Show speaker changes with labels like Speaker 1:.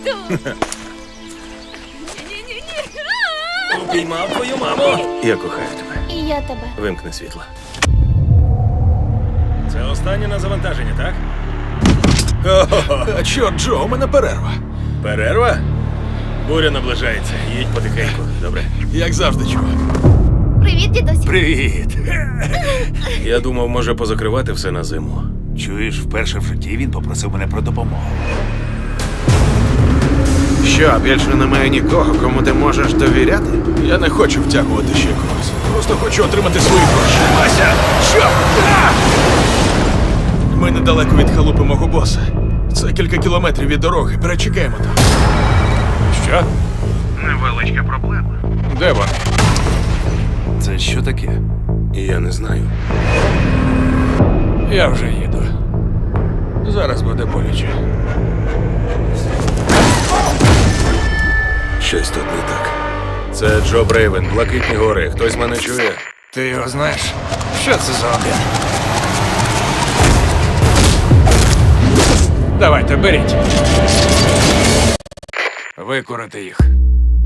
Speaker 1: тут. Ні-ні-ні.
Speaker 2: Упіймав твою маму. Я кохаю тебе.
Speaker 1: І я тебе.
Speaker 2: Вимкни світло. Це останнє на завантаження, так? О-хо-хо.
Speaker 3: А чорт, Джо, у мене перерва.
Speaker 2: Перерва? Буря наближається. Їдь потихеньку, добре?
Speaker 3: Як завжди, чувак.
Speaker 1: Привіт, дідусь.
Speaker 2: Привіт. Я думав, може позакривати все на зиму.
Speaker 4: Чуєш, вперше в житті він попросив мене про допомогу.
Speaker 5: Що, більше немає нікого, кому ти можеш довіряти?
Speaker 3: Я не хочу втягувати ще когось. Просто хочу отримати свої гроші. Вася! Що? Ми недалеко від халупи мого боса. Це кілька кілометрів від дороги. Перечекаємо там.
Speaker 2: Що?
Speaker 5: Невеличка проблема.
Speaker 3: Де вони?
Speaker 4: Це що таке?
Speaker 2: Я не знаю.
Speaker 3: Я вже їду. Зараз буде боляче.
Speaker 2: Щось тут не так. Це Джо Брейвен, Блакитні гори. Хтось мене чує?
Speaker 3: Ти його знаєш? Що це за один? Давайте, беріть. Викурити їх.